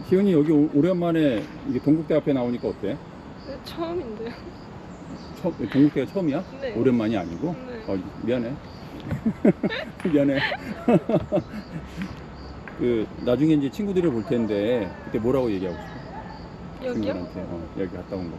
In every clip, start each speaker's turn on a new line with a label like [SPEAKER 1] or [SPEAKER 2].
[SPEAKER 1] 희은이 여기 오랜만에 이게 동국대 앞에 나오니까 어때?
[SPEAKER 2] 네, 처음인데요.
[SPEAKER 1] 동국대가 처음이야?
[SPEAKER 2] 네.
[SPEAKER 1] 오랜만이 아니고?
[SPEAKER 2] 네.
[SPEAKER 1] 미안해. 미안해. 그 나중에 이제 친구들을 볼 텐데 그때 뭐라고 얘기하고 싶어?
[SPEAKER 2] 여기요?
[SPEAKER 1] 친구들한테 여기 갔다 온 거.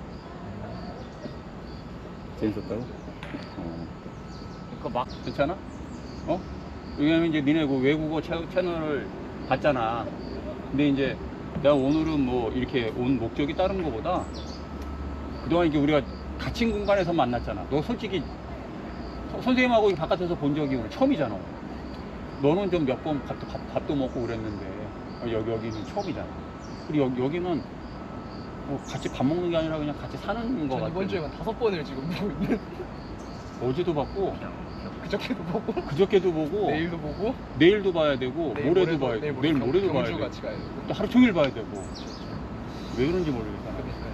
[SPEAKER 1] 재밌었다고? 그러니까 막 괜찮아? 왜냐면 이제 니네 그 외국어 채널을 봤잖아. 근데 이제 내가 오늘은 뭐 이렇게 온 목적이 다른 거보다 그동안 이게 우리가 갇힌 공간에서 만났잖아. 너 솔직히 선생님하고 바깥에서 본 적이 오늘 처음이잖아. 너는 좀 몇 번 밥도 먹고 그랬는데 여기는 처음이잖아. 그리고 여기는 뭐 같이 밥 먹는 게 아니라 그냥 같이 사는 거 같아.
[SPEAKER 3] 이번 주에만 5번을 지금 보고 있는.
[SPEAKER 1] 어제도 봤고
[SPEAKER 3] 그저께도 보고
[SPEAKER 1] 보고
[SPEAKER 3] 내일도 보고
[SPEAKER 1] 내일도 봐야 되고
[SPEAKER 3] 내일
[SPEAKER 1] 모레도
[SPEAKER 3] 모레도,
[SPEAKER 1] 봐야
[SPEAKER 3] 내일
[SPEAKER 1] 되고 내일 모레도 봐야
[SPEAKER 3] 경주
[SPEAKER 1] 되고
[SPEAKER 3] 같이 가야 되고.
[SPEAKER 1] 또 하루 종일 봐야 되고 왜 그런지 모르겠다.
[SPEAKER 3] 그러니까요.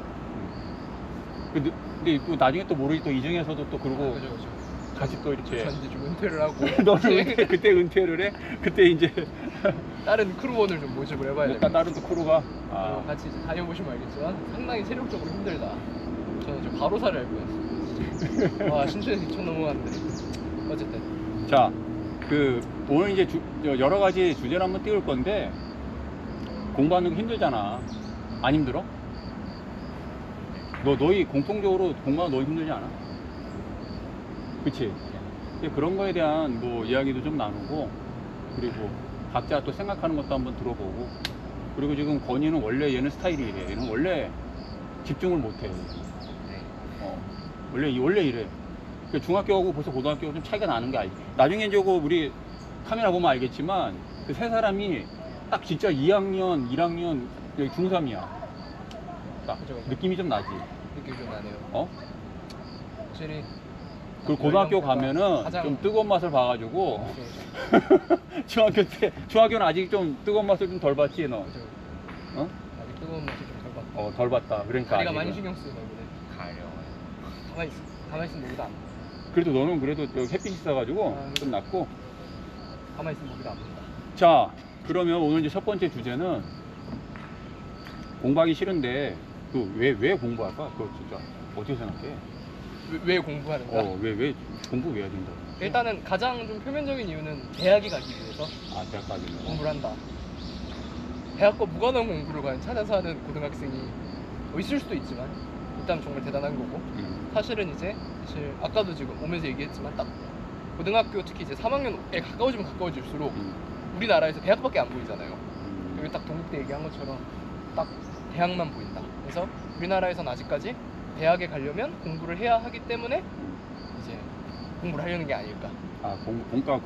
[SPEAKER 1] 근데 또 나중에 또 모르지 또 이중에서도 또 그러고
[SPEAKER 3] 그죠.
[SPEAKER 1] 같이 또 이렇게
[SPEAKER 3] 전 이제 좀 은퇴를 하고
[SPEAKER 1] 너는 그때 은퇴를 해? 그때 이제
[SPEAKER 3] 다른 크루원을 좀 모집을 해봐야
[SPEAKER 1] 약간
[SPEAKER 3] 됩니다.
[SPEAKER 1] 다른 또 크루가
[SPEAKER 3] 같이 이제 다녀보시면 알겠지만 상당히 체력적으로 힘들다. 저는 지금 바로사를 알고 있어요. 와 신촌에서 2천 넘어갔는데 어쨌든
[SPEAKER 1] 자, 오늘 이제 여러 가지 주제를 한번 띄울 건데 공부하는 거 힘들잖아. 안 힘들어? 너희 공통적으로 공부하는 거 너희 힘들지 않아? 그치? 그런 거에 대한 뭐 이야기도 좀 나누고 그리고 각자 또 생각하는 것도 한번 들어보고 그리고 지금 건이는 원래 얘는 스타일이 이래. 얘는 원래 집중을 못해. 원래 이래. 중학교하고 벌써 고등학교하고 좀 차이가 나는 게 알지. 나중에 이제 우리 카메라 보면 알겠지만 그 세 사람이 딱 진짜 2학년, 1학년, 여기 중3이야. 딱
[SPEAKER 3] 그죠.
[SPEAKER 1] 느낌이 좀 나지.
[SPEAKER 3] 느낌이 좀 나네요. 확실히
[SPEAKER 1] 그리고 고등학교 가면은
[SPEAKER 3] 가장
[SPEAKER 1] 좀 뜨거운 맛을 봐가지고
[SPEAKER 3] 그죠.
[SPEAKER 1] 중학교는 아직 좀 뜨거운 맛을 좀 덜 봤지 너.
[SPEAKER 3] 그죠.
[SPEAKER 1] 어?
[SPEAKER 3] 아직 뜨거운 맛이 좀 덜 봤다.
[SPEAKER 1] 덜 봤다. 그러니까
[SPEAKER 3] 다리가
[SPEAKER 1] 아직은.
[SPEAKER 3] 많이 신경 쓰이네 이번에. 가만히 있으면 여기도 안 보여.
[SPEAKER 1] 그래도 너는 그래도 여기 햇빛이 있어가지고 좀 낫고.
[SPEAKER 3] 가만히 있으면 여기도 안 본다.
[SPEAKER 1] 자, 그러면 오늘 이제 첫 번째 주제는 공부하기 싫은데 왜 공부할까? 그거 진짜 어떻게 생각해?
[SPEAKER 3] 왜 공부하는가?
[SPEAKER 1] 왜 공부 왜 해야 된다?
[SPEAKER 3] 일단은 가장 좀 표면적인 이유는 대학에 가기 위해서
[SPEAKER 1] 대학 가기 위해서.
[SPEAKER 3] 공부를 한다. 대학과 무관한 공부를 과연 찾아서 하는 고등학생이 있을 수도 있지만 일단 정말 대단한 거고 사실 아까도 지금 오면서 얘기했지만 딱 고등학교 특히 이제 3학년에 가까워지면 가까워질수록 우리나라에서 대학밖에 안 보이잖아요. 여기 딱 동국대 얘기한 것처럼 딱 대학만 보인다. 그래서 우리나라에선 아직까지 대학에 가려면 공부를 해야 하기 때문에 이제 공부를 하려는 게 아닐까.
[SPEAKER 1] 그러니까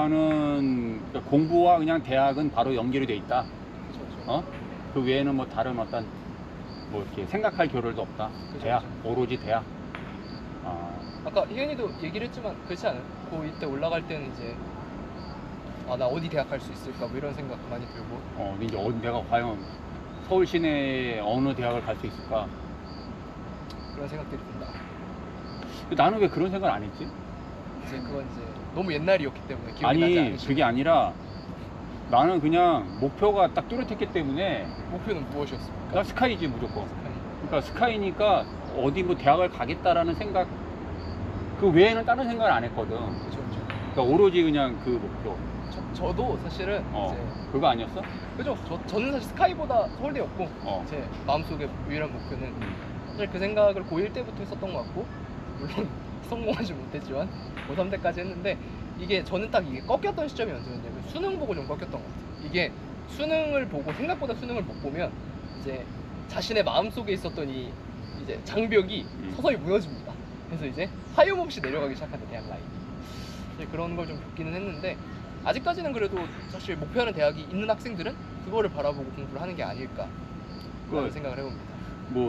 [SPEAKER 1] 공부와 그냥 대학은 바로 연결이 돼 있다.
[SPEAKER 3] 그렇죠.
[SPEAKER 1] 그 외에는 뭐 다른 어떤 뭐 이렇게 생각할 겨를도 없다.
[SPEAKER 3] 그쵸,
[SPEAKER 1] 대학,
[SPEAKER 3] 그쵸.
[SPEAKER 1] 오로지 대학.
[SPEAKER 3] 아까 희연이도 얘기를 했지만 그렇지 않아요? 고2 때 올라갈 때는 이제 나 어디 대학 갈 수 있을까 뭐 이런 생각 많이 들고
[SPEAKER 1] 이제 내가 과연 서울 시내에 어느 대학을 갈 수 있을까?
[SPEAKER 3] 그런 생각들이 든다.
[SPEAKER 1] 근데 나는 왜 그런 생각을 안 했지?
[SPEAKER 3] 이제 그건 이제 너무 옛날이었기 때문에 기억이 나지
[SPEAKER 1] 아니,
[SPEAKER 3] 않으시죠?
[SPEAKER 1] 그게 아니라 나는 그냥 목표가 딱 뚜렷했기 때문에
[SPEAKER 3] 목표는 무엇이었습니까?
[SPEAKER 1] 나 스카이지 무조건. 그러니까 스카이니까 어디 뭐 대학을 가겠다라는 생각 그 외에는 다른 생각을 안 했거든.
[SPEAKER 3] 그렇죠.
[SPEAKER 1] 그러니까 오로지 그냥 그 목표.
[SPEAKER 3] 저도 사실은
[SPEAKER 1] 그거 아니었어?
[SPEAKER 3] 그죠. 저는 사실 스카이보다 서울대였고 제 마음속에 유일한 목표는 사실 그 생각을 고1 때부터 했었던 것 같고 물론 성공하지 못했지만 고3 때까지 했는데 이게 저는 딱 이게 꺾였던 시점이 언제였냐면 수능 보고 좀 꺾였던 것 같아요. 이게 수능을 보고 생각보다 수능을 못 보면 이제 자신의 마음속에 있었던 이 이제 장벽이 서서히 무너집니다. 그래서 이제 하염없이 내려가기 시작한다 대학 라인이. 사실 그런 걸 좀 겪기는 했는데 아직까지는 그래도 사실 목표하는 대학이 있는 학생들은 그거를 바라보고 공부를 하는 게 아닐까 라는 생각을 해봅니다.
[SPEAKER 1] 뭐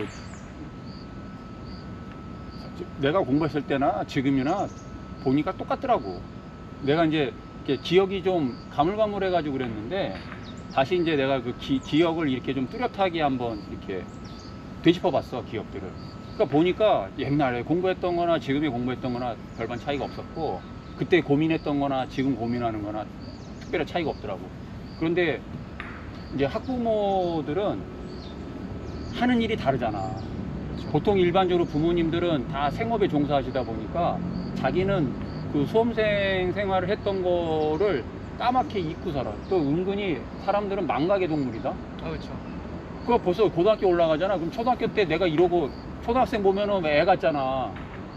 [SPEAKER 1] 내가 공부했을 때나 지금이나 보니까 똑같더라고. 내가 이제 이렇게 기억이 좀 가물가물해가지고 그랬는데 다시 이제 내가 그 기억을 이렇게 좀 뚜렷하게 한번 이렇게 되짚어봤어 기억들을. 그러니까 보니까 옛날에 공부했던 거나 지금에 공부했던 거나 별반 차이가 없었고 그때 고민했던 거나 지금 고민하는 거나 특별한 차이가 없더라고. 그런데 이제 학부모들은 하는 일이 다르잖아.
[SPEAKER 3] 그렇죠.
[SPEAKER 1] 보통 일반적으로 부모님들은 다 생업에 종사하시다 보니까 자기는 그 수험생 생활을 했던 거를 까맣게 잊고 살아. 또 은근히 사람들은 망각의 동물이다.
[SPEAKER 3] 아 그렇죠.
[SPEAKER 1] 그거 벌써 고등학교 올라가잖아. 그럼 초등학교 때 내가 이러고 초등학생 보면은 애 같잖아.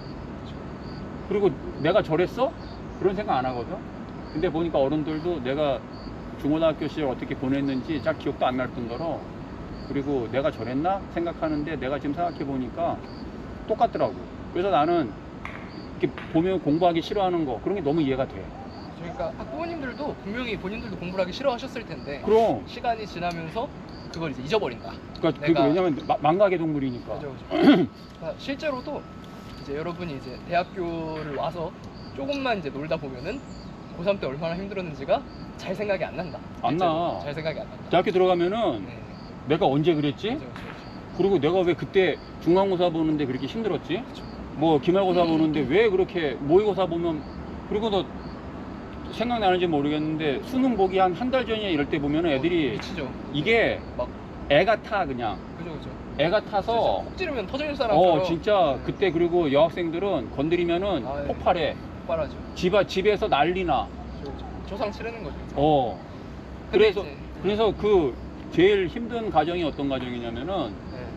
[SPEAKER 1] 그리고 내가 저랬어? 그런 생각 안 하거든. 근데 보니까 어른들도 내가 중고등학교 시절 어떻게 보냈는지 잘 기억도 안 날 뿐더러, 그리고 내가 저랬나 생각하는데 내가 지금 생각해 보니까 똑같더라고. 그래서 나는 이렇게 보면 공부하기 싫어하는 거 그런 게 너무 이해가 돼.
[SPEAKER 3] 그러니까 학부모님들도 분명히 본인들도 공부를 하기 싫어하셨을 텐데
[SPEAKER 1] 그럼
[SPEAKER 3] 시간이 지나면서 그걸 이제 잊어버린다.
[SPEAKER 1] 그러니까
[SPEAKER 3] 내가-
[SPEAKER 1] 왜냐면 망각의 동물이니까.
[SPEAKER 3] 그죠, 그죠. 그러니까 실제로도 이제 여러분이 이제 대학교를 와서 조금만 이제 놀다 보면은 고3 때 얼마나 힘들었는지가 잘 생각이 안 난다.
[SPEAKER 1] 안
[SPEAKER 3] 실제로.
[SPEAKER 1] 나.
[SPEAKER 3] 잘 생각이 안 난다.
[SPEAKER 1] 대학교 들어가면은
[SPEAKER 3] 네.
[SPEAKER 1] 내가 언제 그랬지?
[SPEAKER 3] 그죠, 그죠,
[SPEAKER 1] 그리고 내가 왜 그때 중간고사 보는데 그렇게 힘들었지?
[SPEAKER 3] 그죠.
[SPEAKER 1] 뭐 기말고사 보는데 왜 그렇게 모의고사 보면, 그리고 너 생각나는지 모르겠는데 수능 보기 한 달 전이야 이럴 때 보면 애들이
[SPEAKER 3] 미치죠.
[SPEAKER 1] 이게
[SPEAKER 3] 막
[SPEAKER 1] 애가 타 그냥
[SPEAKER 3] 그죠, 그죠.
[SPEAKER 1] 애가 타서
[SPEAKER 3] 꼭 찌르면 터질 사람처럼.
[SPEAKER 1] 진짜
[SPEAKER 3] 네.
[SPEAKER 1] 그때. 그리고 여학생들은 건드리면은
[SPEAKER 3] 아, 네.
[SPEAKER 1] 폭발해.
[SPEAKER 3] 폭발하죠.
[SPEAKER 1] 집에서 난리나.
[SPEAKER 3] 그죠, 그죠. 조상 치르는 거죠.
[SPEAKER 1] 그래서
[SPEAKER 3] 근데 이제-
[SPEAKER 1] 그래서 그 제일 힘든 가정이 어떤 가정이냐면은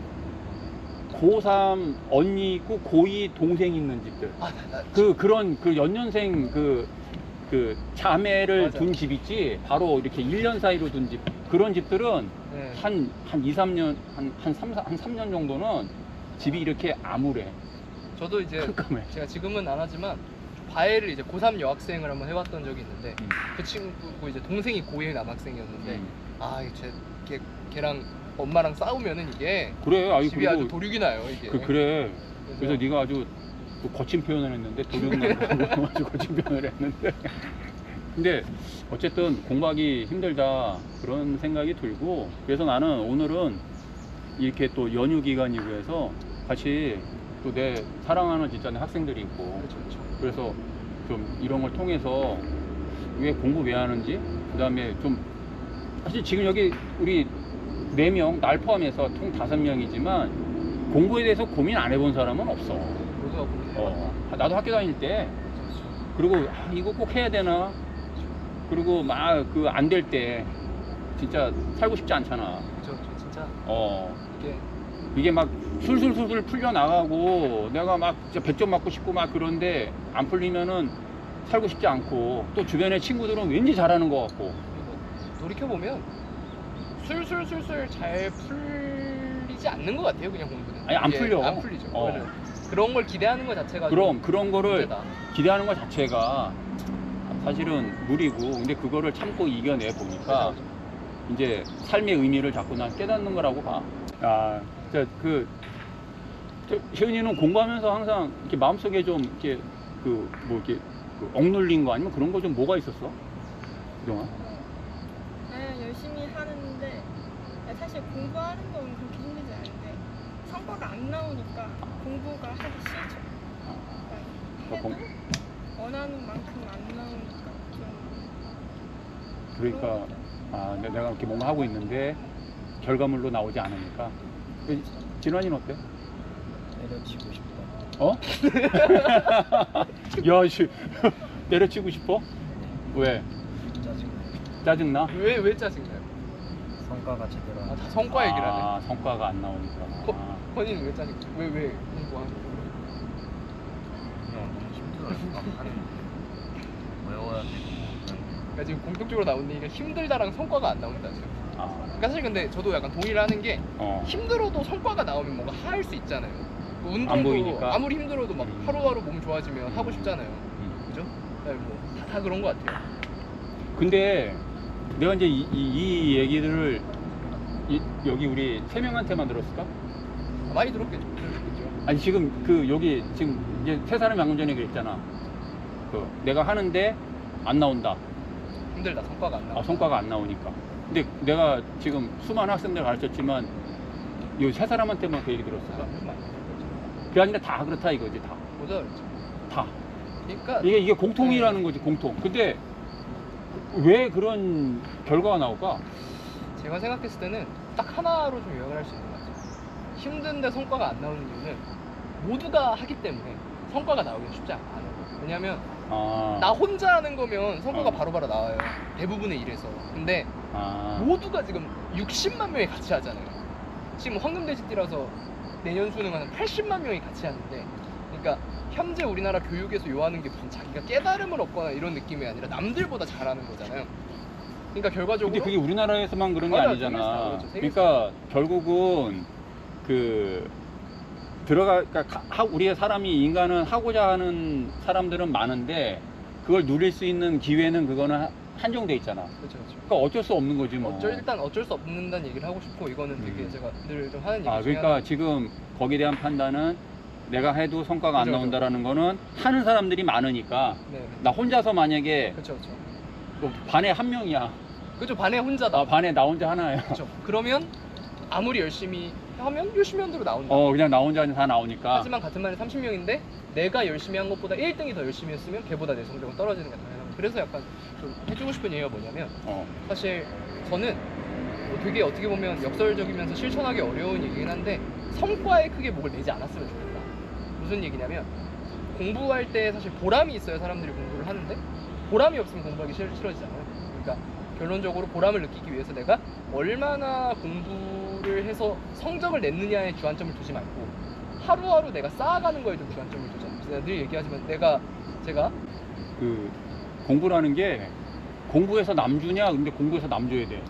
[SPEAKER 3] 네.
[SPEAKER 1] 고3 언니 있고 고2 동생 있는 집들.
[SPEAKER 3] 아,
[SPEAKER 1] 그런 그 연년생 그 자매를
[SPEAKER 3] 맞아.
[SPEAKER 1] 둔 집 있지. 바로 이렇게 1년 사이로 둔 집. 그런 집들은
[SPEAKER 3] 네.
[SPEAKER 1] 한 2, 3년, 한 3년 정도는 집이 이렇게 암울해.
[SPEAKER 3] 저도 이제
[SPEAKER 1] 깜깜해.
[SPEAKER 3] 제가 지금은 안 하지만 과외를 이제 고3 여학생을 한번 해봤던 적이 있는데
[SPEAKER 1] 음.
[SPEAKER 3] 그 친구 이제 동생이 고1 남학생이었는데
[SPEAKER 1] 음.
[SPEAKER 3] 아 이제 걔랑 엄마랑 싸우면은 이게
[SPEAKER 1] 그래. 아이
[SPEAKER 3] 집이 아주
[SPEAKER 1] 그리고
[SPEAKER 3] 도륙이 나요 이게.
[SPEAKER 1] 그래. 그래서 네가 아주 또 거친 표현을 했는데 도둑나고 아주 거친 표현을 했는데 근데 어쨌든 공부하기 힘들다 그런 생각이 들고, 그래서 나는 오늘은 이렇게 또 연휴 기간이고 해서 같이 또 내 사랑하는 진짜 내 학생들이 있고,
[SPEAKER 3] 그렇죠, 그렇죠.
[SPEAKER 1] 그래서 좀 이런 걸 통해서 왜 공부 왜 하는지, 그 다음에 좀 사실 지금 여기 우리 4명 날 포함해서 총 5명이지만 공부에 대해서 고민 안 해본 사람은 없어.
[SPEAKER 3] 모두가 보는
[SPEAKER 1] 나도 학교 다닐 때 그리고 이거 꼭 해야 되나, 그리고 막 그 안 될 때 진짜 살고 싶지 않잖아.
[SPEAKER 3] 그렇죠, 진짜 이게
[SPEAKER 1] 이게 막 술술술술 풀려 나가고 내가 막 진짜 100점 맞고 싶고 막 그런데 안 풀리면은 살고 싶지 않고, 또 주변의 친구들은 왠지 잘하는 것 같고.
[SPEAKER 3] 그리고 돌이켜 보면 술술술술 잘 풀리지 않는 것 같아요 그냥 공부는.
[SPEAKER 1] 아니, 안
[SPEAKER 3] 이게
[SPEAKER 1] 풀려.
[SPEAKER 3] 안 풀리죠. 오히려 그런 걸 기대하는 것 자체가
[SPEAKER 1] 그럼 그런 거를
[SPEAKER 3] 문제다.
[SPEAKER 1] 기대하는 것 자체가 사실은 무리고, 근데 그거를 참고 이겨내 보니까
[SPEAKER 3] 그죠,
[SPEAKER 1] 이제 삶의 의미를 자꾸 난 깨닫는 거라고 봐. 혜은이는 공부하면서 항상 이렇게 마음속에 좀 이렇게 이렇게 억눌린 거 아니면 그런 거 좀 뭐가 있었어? 그동안?
[SPEAKER 2] 네, 열심히 하는데 사실 공부하는 건 그렇게 힘들지 않은데 성과가 안 나오니까 공부가 하기 싫죠.
[SPEAKER 1] 공-
[SPEAKER 2] 해도 원하는 만큼 안 나오니까 좀
[SPEAKER 1] 그러니까 내가 이렇게 뭔가 하고 있는데 결과물로 나오지 않으니까. 진환이는 어때?
[SPEAKER 4] 때려치고 싶다.
[SPEAKER 1] 어? 야, 씨. 때려치고 싶어? 왜?
[SPEAKER 4] 짜증나.
[SPEAKER 1] 짜증나?
[SPEAKER 3] 왜 짜증나요?
[SPEAKER 4] 성과가 제대로 안
[SPEAKER 3] 다 성과 얘기를 하네.
[SPEAKER 1] 성과가 안 나오니까.
[SPEAKER 3] 건이는 왜 짜증나? 왜 공부하는 거?
[SPEAKER 4] 그냥 너무 힘들어요. 막 하는 거. 외워야 되고 그냥
[SPEAKER 3] 그러니까 지금 공통적으로 나오는 얘기가 힘들다랑 성과가 안 나온다 지금. 그러니까 사실 근데 저도 약간 동의를 하는 게 힘들어도 성과가 나오면 뭔가 할 수 있잖아요. 뭐
[SPEAKER 1] 안
[SPEAKER 3] 운동도
[SPEAKER 1] 보이니까.
[SPEAKER 3] 아무리 힘들어도 막 하루하루 몸 좋아지면 하고 싶잖아요. 그죠? 그다음에 다 그런 것 같아요.
[SPEAKER 1] 근데 내가 이제 이 얘기들을 여기 우리 3명한테만 들었을까?
[SPEAKER 3] 많이 들었겠죠.
[SPEAKER 1] 아니 지금 여기 지금 이제 3사람이 방금 전에 그랬잖아. 내가 하는데 안 나온다.
[SPEAKER 3] 힘들다. 성과가 안 나와.
[SPEAKER 1] 성과가 안 나오니까. 근데 내가 지금 수많은 학생들 가르쳤지만 이 3사람한테만 그 얘기 들었어. 그게 아니라 다 그렇다 이거지. 다.
[SPEAKER 3] 보자 그랬죠.
[SPEAKER 1] 다.
[SPEAKER 3] 그러니까
[SPEAKER 1] 이게 공통이라는 거지, 공통. 근데 왜 그런 결과가 나올까?
[SPEAKER 3] 제가 생각했을 때는 딱 하나로 좀 요약을 할 수 있는 것 같아요. 힘든데 성과가 안 나오는 이유는 모두가 하기 때문에 성과가 나오긴 쉽지 않아요. 왜냐면 나 혼자 하는 거면 성과가 바로바로 나와요. 대부분의 일에서. 근데 모두가 지금 60만 명이 같이 하잖아요. 지금 황금돼지띠라서 내년 수능하는 80만 명이 같이 하는데, 그러니까 현재 우리나라 교육에서 요하는 게 무슨 자기가 깨달음을 얻거나 이런 느낌이 아니라 남들보다 잘하는 거잖아요. 그러니까 결과적으로
[SPEAKER 1] 근데 그게 우리나라에서만 그런 게
[SPEAKER 3] 맞아요.
[SPEAKER 1] 아니잖아.
[SPEAKER 3] 세계에서 다 그렇죠.
[SPEAKER 1] 그러니까 결국은 그러니까 우리의 사람이 인간은 하고자 하는 사람들은 많은데 그걸 누릴 수 있는 기회는 그거는 한정돼 있잖아.
[SPEAKER 3] 그렇죠, 그렇죠.
[SPEAKER 1] 그러니까 어쩔 수 없는 거지 뭐.
[SPEAKER 3] 일단 어쩔 수 없는다는 얘기를 하고 싶고, 이거는 되게 제가 늘 좀 하는 얘기 중에
[SPEAKER 1] 그러니까
[SPEAKER 3] 하나.
[SPEAKER 1] 지금 거기에 대한 판단은 내가 해도 성과가 안
[SPEAKER 3] 그죠,
[SPEAKER 1] 나온다라는 거는 하는 사람들이 많으니까
[SPEAKER 3] 네,
[SPEAKER 1] 나 혼자서 만약에
[SPEAKER 3] 그렇죠, 그렇죠.
[SPEAKER 1] 뭐 반에 한 명이야.
[SPEAKER 3] 그죠, 반에 혼자다.
[SPEAKER 1] 반에 나 혼자 하나야.
[SPEAKER 3] 그렇죠. 그러면 아무리 열심히 하면 열심히 한 대로 나온다.
[SPEAKER 1] 그냥 나 혼자 다 나오니까.
[SPEAKER 3] 하지만 같은 반에 30명인데 내가 열심히 한 것보다 1등이 더 열심히 했으면 걔보다 내 성적은 떨어지는 게 당연하고, 그래서 약간 좀 해주고 싶은 얘기가 뭐냐면, 사실 저는 뭐 되게 어떻게 보면 역설적이면서 실천하기 어려운 얘기긴 한데 성과에 크게 목을 내지 않았으면 좋겠다. 무슨 얘기냐면, 공부할 때 사실 보람이 있어야 사람들이 공부를 하는데 보람이 없으면 공부하기 싫어지잖아요. 그러니까 결론적으로 보람을 느끼기 위해서 내가 얼마나 공부를 해서 성적을 냈느냐에 주안점을 두지 말고 하루하루 내가 쌓아가는 거에 좀 주안점을 두자. 제가 늘 얘기하지만 제가
[SPEAKER 1] 그 공부라는 게 공부해서 남 주냐? 근데 공부해서 남 줘야 돼.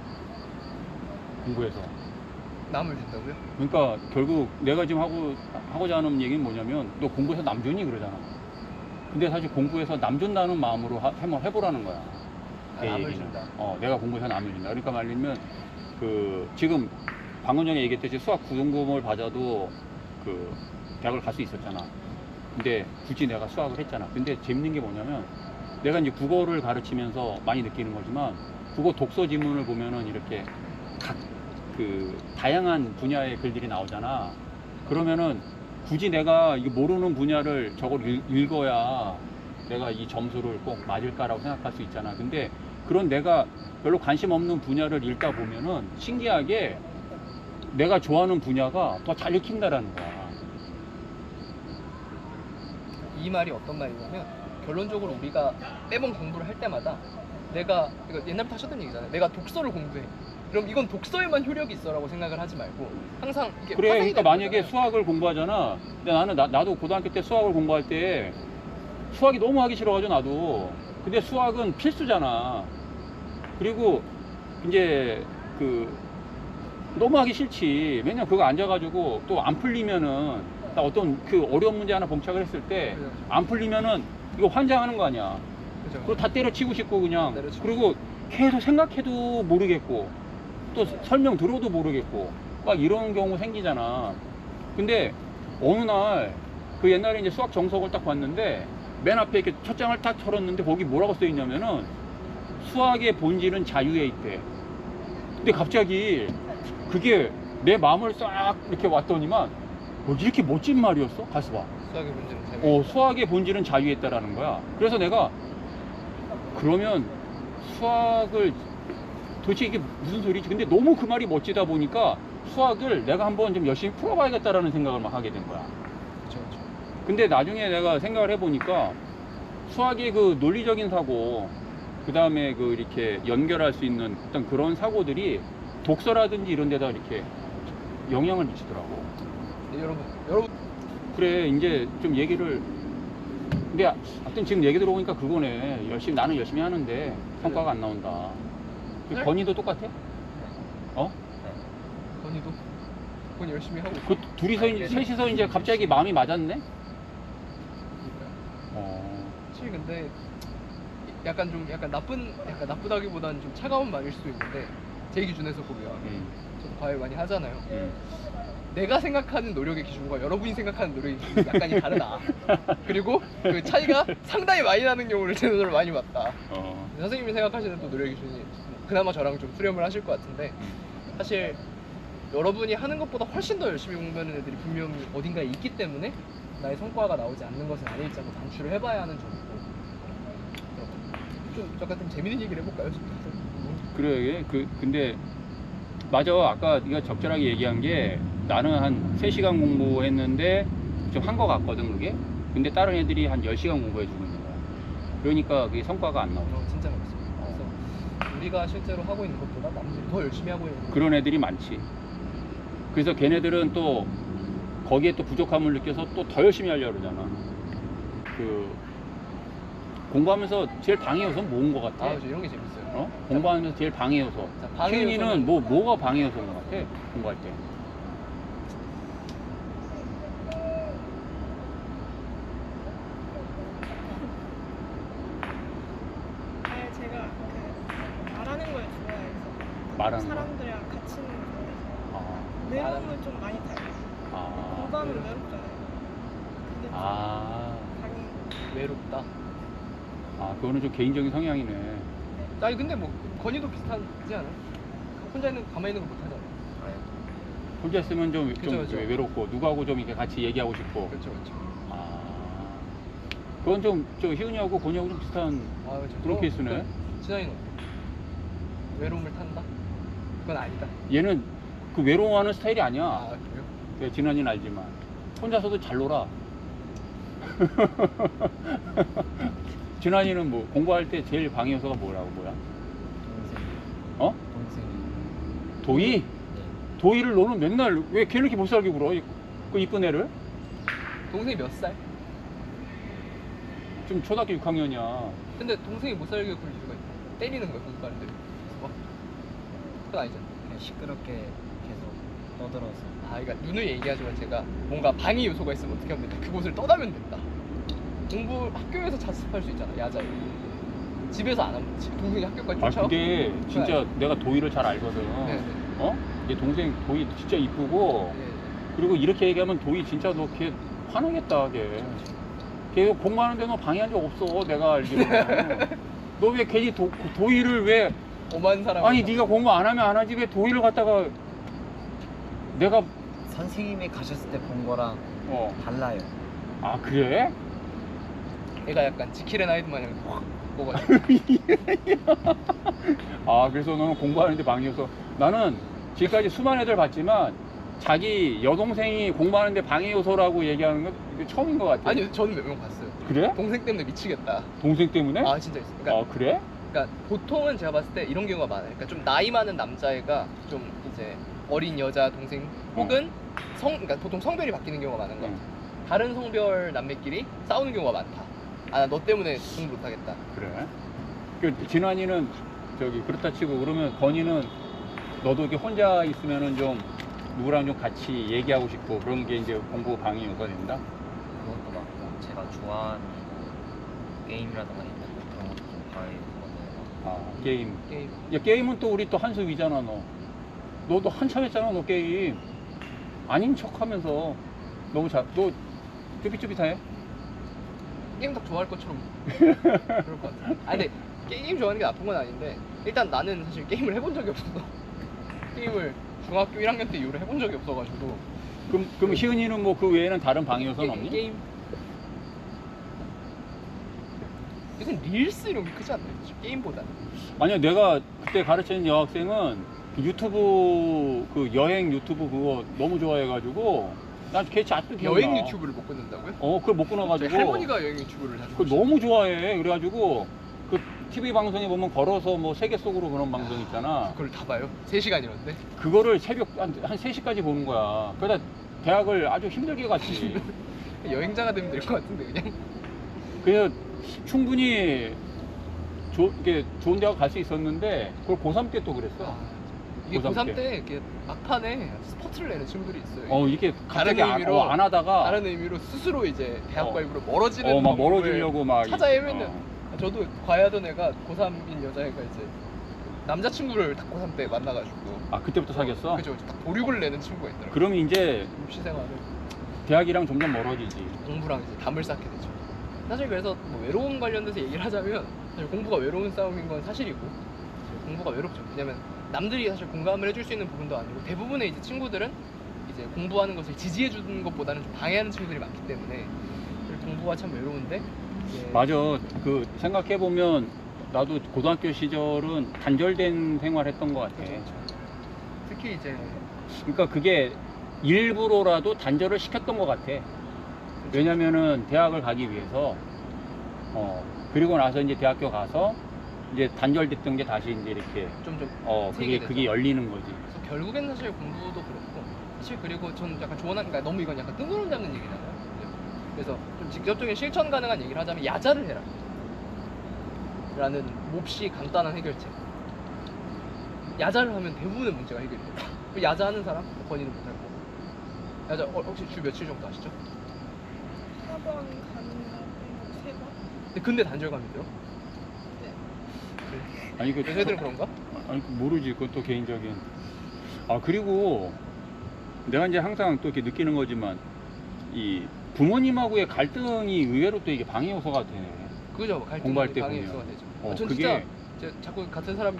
[SPEAKER 1] 공부해서.
[SPEAKER 3] 남을 준다고요?
[SPEAKER 1] 그러니까 결국 내가 지금 하고자 하는 얘기는 뭐냐면 너 공부해서 남 주니 그러잖아. 근데 사실 공부해서 남 준다는 마음으로 한번 해보라는 거야. 내
[SPEAKER 3] 남을
[SPEAKER 1] 얘기는.
[SPEAKER 3] 준다.
[SPEAKER 1] 내가 공부해서 남을 준다. 그러니까 말하면 지금 방금 전에 얘기했듯이 수학 구등급을 받아도 대학을 갈 수 있었잖아. 근데 굳이 내가 수학을 했잖아. 근데 재밌는 게 뭐냐면 내가 이제 국어를 가르치면서 많이 느끼는 거지만 국어 독서 지문을 보면은 이렇게 다양한 분야의 글들이 나오잖아. 그러면은 굳이 내가 이거 모르는 분야를 저걸 읽어야 내가 이 점수를 꼭 맞을까라고 생각할 수 있잖아. 근데 그런 내가 별로 관심 없는 분야를 읽다 보면은 신기하게 내가 좋아하는 분야가 더 잘 읽힌다라는 거야.
[SPEAKER 3] 이 말이 어떤 말이냐면, 결론적으로 우리가 매번 공부를 할 때마다 이거 옛날부터 하셨던 얘기잖아요. 내가 독서를 공부해. 그럼 이건 독서에만 효력이 있어라고 생각을 하지 말고 항상 이게
[SPEAKER 1] 그래.
[SPEAKER 3] 파생이
[SPEAKER 1] 그러니까
[SPEAKER 3] 되는
[SPEAKER 1] 만약에
[SPEAKER 3] 거잖아요.
[SPEAKER 1] 수학을 공부하잖아. 근데 나도 고등학교 때 수학을 공부할 때 수학이 너무 하기 싫어가지고 나도. 근데 수학은 필수잖아. 그리고 이제 너무 하기 싫지. 왜냐면 그거 앉아가지고 또 안 풀리면은 나 어떤 어려운 문제 하나 봉착을 했을 때 안 풀리면은 이거 환장하는 거 아니야.
[SPEAKER 3] 그죠.
[SPEAKER 1] 그리고 다 때려치고 싶고 그냥.
[SPEAKER 3] 때려치고
[SPEAKER 1] 그리고 계속 생각해도 모르겠고 또 설명 들어도 모르겠고 막 이런 경우 생기잖아. 근데 어느 날 옛날에 이제 수학 정석을 딱 봤는데 맨 앞에 이렇게 첫 장을 딱 털었는데 거기 뭐라고 써 있냐면은 수학의 본질은 자유에 있대. 근데 갑자기 그게 내 마음을 싹 이렇게 왔더니만 이렇게 멋진 말이었어? 가서 봐.
[SPEAKER 3] 수학의 문제는 재미.
[SPEAKER 1] 수학의 본질은 자유에 있다라는 거야. 그래서 내가 그러면 수학을 도대체 이게 무슨 소리지? 근데 너무 그 말이 멋지다 보니까 수학을 내가 한번 좀 열심히 풀어봐야겠다라는 생각을 막 하게 된 거야.
[SPEAKER 3] 그렇죠.
[SPEAKER 1] 근데 나중에 내가 생각을 해보니까 수학의 논리적인 사고, 그 다음에 이렇게 연결할 수 있는 어떤 그런 사고들이 독서라든지 이런 데다 이렇게 영향을 미치더라고.
[SPEAKER 3] 네, 여러분
[SPEAKER 1] 그래, 이제 좀 얘기를. 근데 하여튼 지금 얘기 들어보니까 그거네. 나는 열심히 하는데 성과가 안 나온다.
[SPEAKER 3] 네?
[SPEAKER 1] 건이도 똑같아?
[SPEAKER 3] 건이 열심히 하고 있어요.
[SPEAKER 1] 그 둘이서 셋이서 이제 갑자기 마음이 맞았네?
[SPEAKER 3] 사실 근데 약간 나쁘다기보다는 좀 차가운 말일 수도 있는데, 제 기준에서 보면 저도 과외 많이 하잖아요. 내가 생각하는 노력의 기준과 여러분이 생각하는 노력의 기준이 약간이 다르다. 그리고 그 차이가 상당히 많이 나는 경우를 제 눈으로 많이 봤다. 선생님이 생각하시는 또 노력의 기준이 그나마 저랑 좀 수렴을 하실 것 같은데, 사실 여러분이 하는 것보다 훨씬 더 열심히 공부하는 애들이 분명히 어딘가에 있기 때문에 나의 성과가 나오지 않는 것은 아닐지 한번 단추를 해봐야 하는 점이고. 좀 약간 좀 재밌는 얘기를 해볼까요?
[SPEAKER 1] 그래, 근데 맞아. 아까 네가 적절하게 얘기한 게 나는 한 3시간 공부했는데 좀 한 거 같거든 그게. 근데 다른 애들이 한 10시간 공부해주고 있는 거야. 그러니까 그게 성과가 안 나오죠.
[SPEAKER 3] 진짜 그렇습니다. 그래서 우리가 실제로 하고 있는 것보다 남들이 더 열심히 하고 있는
[SPEAKER 1] 그런 애들이 많지. 그래서 걔네들은 또 거기에 또 부족함을 느껴서 또 더 열심히 하려고 그러잖아. 그 공부하면서 제일 방해 요소는 뭐인 것 같아?
[SPEAKER 3] 그렇죠. 이런 게 재밌어요.
[SPEAKER 1] 어? 공부하면서 제일 방해 요소.
[SPEAKER 3] 자, 방해
[SPEAKER 1] 시은이는
[SPEAKER 3] 요소는-
[SPEAKER 1] 뭐가 방해 요소인 것 같아? 공부할 때.
[SPEAKER 2] 제가 그 말하는 걸 좋아해서
[SPEAKER 1] 말하는 거.
[SPEAKER 2] 사람들이랑 같이 있는 거 좋아해서
[SPEAKER 1] 아,
[SPEAKER 2] 외로움을 좀 많이 타요.
[SPEAKER 1] 아,
[SPEAKER 2] 공부하면 외롭잖아요. 그게
[SPEAKER 1] 아,
[SPEAKER 2] 당연히
[SPEAKER 3] 외롭다.
[SPEAKER 1] 아, 그거는 좀 개인적인 성향이네.
[SPEAKER 3] 아니 근데 뭐 건이도 비슷하지 않아요? 혼자 있는 가만히 있는 거 못하잖아.
[SPEAKER 1] 혼자 있으면 좀
[SPEAKER 3] 그죠, 그죠.
[SPEAKER 1] 외롭고 누구하고 좀 이렇게 같이 얘기하고 싶고.
[SPEAKER 3] 그렇죠, 그렇죠.
[SPEAKER 1] 아, 그건 좀 저 희은이하고 건이하고 좀 비슷한
[SPEAKER 3] 아, 그렇죠.
[SPEAKER 1] 그런 케이스네.
[SPEAKER 3] 진환이는 외로움을 탄다? 그건 아니다.
[SPEAKER 1] 얘는 그 외로워하는 스타일이 아니야.
[SPEAKER 3] 아 그래요?
[SPEAKER 1] 네, 진환이는 알지만 혼자서도 잘 놀아. 진환이는 뭐 공부할 때 제일 방해 요소가 뭐야?
[SPEAKER 4] 동생.
[SPEAKER 1] 어?
[SPEAKER 4] 동생이.
[SPEAKER 1] 도희?
[SPEAKER 4] 네.
[SPEAKER 1] 도희를 너는 맨날 왜 걔는 이렇게 못 살게 굴어? 그 이쁜 애를?
[SPEAKER 3] 동생이 몇 살?
[SPEAKER 1] 지금 초등학교 6학년이야.
[SPEAKER 3] 근데 동생이 못 살게 굴 이유가 있다. 때리는 거야 공부하는데. 그건 아니잖아.
[SPEAKER 4] 그냥 시끄럽게 계속 떠들어서.
[SPEAKER 3] 아, 그러니까 눈을 얘기하지만 제가 뭔가 방해 요소가 있으면 어떻게 하면 된다. 그곳을 떠나면 된다. 공부 학교에서 자습할 수 있잖아. 야자에. 집에서 안 하면 동생이 학교까지
[SPEAKER 1] 아
[SPEAKER 3] 쫓아와.
[SPEAKER 1] 그게 진짜 내가 도희를 잘 알거든.
[SPEAKER 3] 네, 네.
[SPEAKER 1] 어? 얘 동생 도희 진짜 이쁘고
[SPEAKER 3] 네.
[SPEAKER 1] 그리고 이렇게 얘기하면 도희 진짜 너 걔 화나겠다 걔. 걔 공부하는데 너 방해한 적 없어 내가 알기로는. 너 왜 괜히 도희를 왜
[SPEAKER 3] 오만 사람.
[SPEAKER 1] 아니 네가 공부 안 하면 안 하지 왜 도희를 갖다가 내가
[SPEAKER 4] 선생님이 가셨을 때 본 거랑
[SPEAKER 1] 어.
[SPEAKER 4] 달라요.
[SPEAKER 1] 아 그래?
[SPEAKER 3] 애가 약간 지킬의 나이드 마냥 확 먹어가지고.
[SPEAKER 1] 아 그래서 너는 공부하는데 방해여서 나는 지금까지 수많은 애들 봤지만 자기 여동생이 공부하는데 방해 요소라고 얘기하는 건 이게 처음인 것 같아.
[SPEAKER 3] 아니 저는 몇 명 봤어요.
[SPEAKER 1] 그래?
[SPEAKER 3] 동생 때문에 미치겠다.
[SPEAKER 1] 동생 때문에?
[SPEAKER 3] 아 진짜 있어. 그러니까,
[SPEAKER 1] 아 그래?
[SPEAKER 3] 그러니까 보통은 제가 봤을 때 이런 경우가 많아요. 그러니까 좀 나이 많은 남자애가 좀 이제 어린 여자 동생 혹은 그러니까 보통 성별이 바뀌는 경우가 많은 것 같아요. 다른 성별 남매끼리 싸우는 경우가 많다. 아, 나 너 때문에 공부 못하겠다.
[SPEAKER 1] 그래? 그 진환이는 저기 그렇다 치고 그러면 건이는 너도 이렇게 혼자 있으면은 좀 누구랑 좀 같이 얘기하고 싶고 그런 게 이제 공부 방해 요소가 된다?
[SPEAKER 4] 그것도 맞고 제가 좋아하는 게임이라든가 있는 그런 것도 좀 봐야
[SPEAKER 1] 아 게임.
[SPEAKER 3] 게임.
[SPEAKER 1] 야 게임은 또 우리 또 한수 위잖아 너. 너도 한참 했잖아 너 게임. 아닌 척하면서 너무 너 쭈삣쭈삣해?
[SPEAKER 3] 게임 딱 좋아할 것처럼 그럴 것 같아. 아 근데 게임 좋아하는 게 나쁜 건 아닌데 일단 나는 사실 게임을 해본 적이 없어서 게임을 중학교 1학년 때 이후로 해본 적이 없어가지고.
[SPEAKER 1] 그럼 희은이는 뭐 그 외에는 다른 방해 요소는 없니?
[SPEAKER 3] 게임. 요새 릴스 이런 게 크지 않나요? 게임보다는.
[SPEAKER 1] 아니야 내가 그때 가르치는 여학생은 그 유튜브 그 여행 유튜브 그거 너무 좋아해가지고 난 걔 아직도 기억나.
[SPEAKER 3] 여행 유튜브를 못 끊는다고요?
[SPEAKER 1] 그걸 못 끊어가지고
[SPEAKER 3] 저희 할머니가 여행 유튜브를 자주
[SPEAKER 1] 그걸 너무 좋아해. 그래가지고 그 TV 방송에 보면 걸어서 뭐 세계 속으로 그런 방송 있잖아.
[SPEAKER 3] 그걸 다 봐요? 3시간이었는데?
[SPEAKER 1] 그거를 새벽 한 3시까지 보는 거야. 그러다 대학을 아주 힘들게 갔지.
[SPEAKER 3] 여행자가 되면 될 것 같은데 그냥.
[SPEAKER 1] 그래서 충분히 이게 좋은 대학 갈 수 있었는데 그걸 고3 때 또 그랬어.
[SPEAKER 3] 이게
[SPEAKER 1] 고3
[SPEAKER 3] 고3 때 이렇게 막판에 스포츠를 내는 친구들이 있어요.
[SPEAKER 1] 이게
[SPEAKER 3] 다른
[SPEAKER 1] 갑자기
[SPEAKER 3] 의미로
[SPEAKER 1] 안 하다가
[SPEAKER 3] 다른 의미로 스스로 이제 대학과
[SPEAKER 1] 어.
[SPEAKER 3] 일부러 멀어지는
[SPEAKER 1] 막
[SPEAKER 3] 방법을
[SPEAKER 1] 멀어지려고 막
[SPEAKER 3] 찾아 헤매는.
[SPEAKER 1] 어.
[SPEAKER 3] 저도 과외하던 애가 고3인 여자애가 이제 남자친구를 딱 고3 때 만나가지고.
[SPEAKER 1] 아 그때부터 사귀었어?
[SPEAKER 3] 그죠. 딱 보육을 내는 친구가 있더라고요.
[SPEAKER 1] 그러면 이제
[SPEAKER 3] 입시 생활을
[SPEAKER 1] 대학이랑 점점 멀어지지.
[SPEAKER 3] 공부랑 이제 담을 쌓게 되죠. 사실 그래서 뭐 외로움 관련돼서 얘기를 하자면 사실 공부가 외로운 싸움인 건 사실이고 사실 공부가 외롭죠. 왜냐면 남들이 사실 공감을 해줄 수 있는 부분도 아니고 대부분의 이제 친구들은 이제 공부하는 것을 지지해 주는 것보다는 좀 방해하는 친구들이 많기 때문에 공부가 참 외로운데 이제
[SPEAKER 1] 맞아. 그 생각해 보면 나도 고등학교 시절은 단절된 생활했던 것 같아.
[SPEAKER 3] 그렇죠. 특히 이제
[SPEAKER 1] 그러니까 그게 일부러라도 단절을 시켰던 것 같아. 왜냐면은 대학을 가기 위해서 그리고 나서 이제 대학교 가서 이제 단절됐던 게 다시 이제 이렇게
[SPEAKER 3] 좀
[SPEAKER 1] 그게
[SPEAKER 3] 되죠.
[SPEAKER 1] 그게 열리는 거지.
[SPEAKER 3] 그래서 결국엔 사실 공부도 그렇고 사실 그리고 저는 약간 조언한 그러니까 너무 이건 약간 뜬구름 잡는 얘기잖아요. 그래서 좀 직접적인 실천 가능한 얘기를 하자면 야자를 해라 라는 몹시 간단한 해결책. 야자를 하면 대부분의 문제가 해결이 돼요. 야자하는 사람? 본인은 못할 거고. 야자 혹시 주 며칠 정도 하시죠?
[SPEAKER 2] 4번 가는 거 3번?
[SPEAKER 3] 근데 단절감이 들어?
[SPEAKER 2] 네.
[SPEAKER 1] 아니 그
[SPEAKER 3] 여자애들은 그런가?
[SPEAKER 1] 아니 모르지. 그건 또 개인적인. 그리고 내가 이제 항상 또 이렇게 느끼는 거지만 이 부모님하고의 갈등이 의외로 또 이게 방해 요소가 되네.
[SPEAKER 3] 그죠? 갈등
[SPEAKER 1] 공부할 때
[SPEAKER 3] 방해
[SPEAKER 1] 보면.
[SPEAKER 3] 요소가 되죠.
[SPEAKER 1] 어,
[SPEAKER 3] 전
[SPEAKER 1] 그게-
[SPEAKER 3] 진짜 자꾸 같은 사람